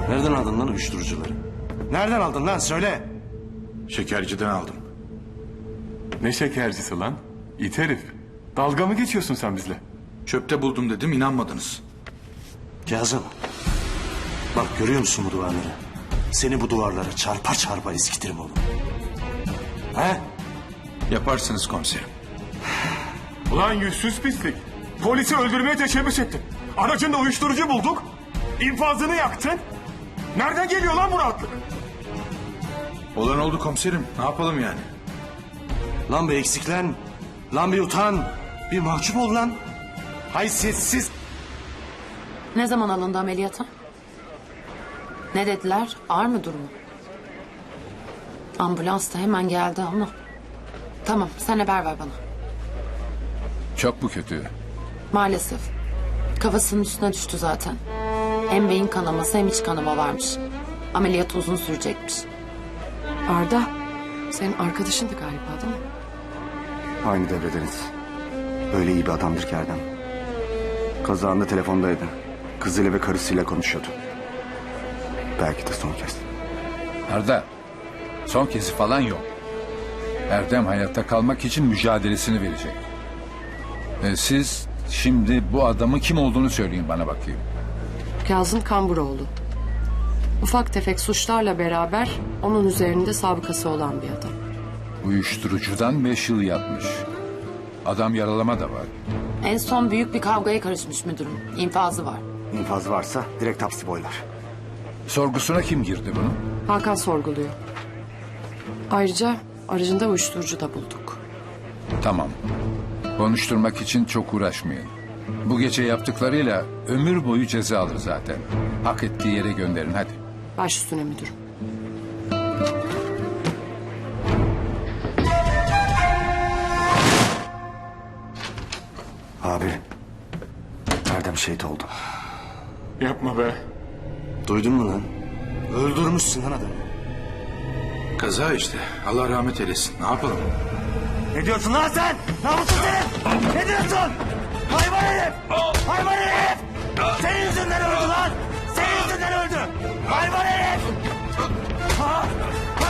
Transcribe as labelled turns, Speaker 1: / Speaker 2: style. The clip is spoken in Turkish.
Speaker 1: Nereden aldın lan uyuşturucuları? Nereden aldın lan söyle.
Speaker 2: Şekerciden aldım.
Speaker 3: Ne şekercisi lan? İt herif. Dalga mı geçiyorsun sen bizle?
Speaker 2: Çöpte buldum dedim, inanmadınız.
Speaker 1: Kazım. Bak görüyor musun bu duvarları? Seni bu duvarlara çarpa çarpa eskitirim oğlum. He?
Speaker 2: Yaparsınız komiserim.
Speaker 3: Ulan yüzsüz pislik. Polisi öldürmeye teşebbüs ettin. Aracında uyuşturucu bulduk. İnfazını yaktın. Nereden geliyor lan bu rahatlık?
Speaker 2: Olan oldu komiserim. Ne yapalım yani?
Speaker 1: Lan bir eksiklen. Lan bir utan. Bir mahcup ol lan. Haysiyetsiz.
Speaker 4: Ne zaman alındı ameliyata? Ne dediler? Ağır mı durumu? Ambulans da hemen geldi ama. Tamam, sen haber ver bana.
Speaker 5: Çok mu kötü?
Speaker 4: Maalesef. Kafasının üstüne düştü zaten. Hem beyin kanaması hem iç kanama varmış. Ameliyat uzun sürecekmiş.
Speaker 6: Arda, senin arkadaşındı galiba değil mi?
Speaker 7: Aynı devredeniz. Öyle iyi bir adamdır ki Erdem. Kazağında telefondaydı. Kızıyla ve karısıyla konuşuyordu. Belki de son kez.
Speaker 5: Arda, son kezi falan yok. Erdem hayatta kalmak için mücadelesini verecek. Siz şimdi bu adamın kim olduğunu söyleyin bana bakayım.
Speaker 6: Kazım Kamburoğlu. Ufak tefek suçlarla beraber onun üzerinde sabıkası olan bir adam.
Speaker 5: Uyuşturucudan 5 yıl yatmış. Adam yaralama da var.
Speaker 4: En son büyük bir kavgaya karışmış müdürüm. İnfazı var.
Speaker 7: İnfaz varsa direkt hapsi boylar.
Speaker 5: Sorgusuna kim girdi bunun?
Speaker 6: Hakan sorguluyor. Ayrıca aracında uyuşturucu da bulduk.
Speaker 5: Tamam. Konuşturmak için çok uğraşmayın. Bu gece yaptıklarıyla ömür boyu ceza alır zaten. Hak ettiği yere gönderin hadi.
Speaker 6: Baş üstüne müdürüm.
Speaker 7: Abi. Erdem şehit oldu.
Speaker 3: Yapma be.
Speaker 1: Duydun mu lan? Öldürmüşsün lan adamı.
Speaker 2: Kaza işte. Allah rahmet eylesin. Ne yapalım?
Speaker 1: Ne diyorsun lan sen? Namussuz herif! Ne diyorsun?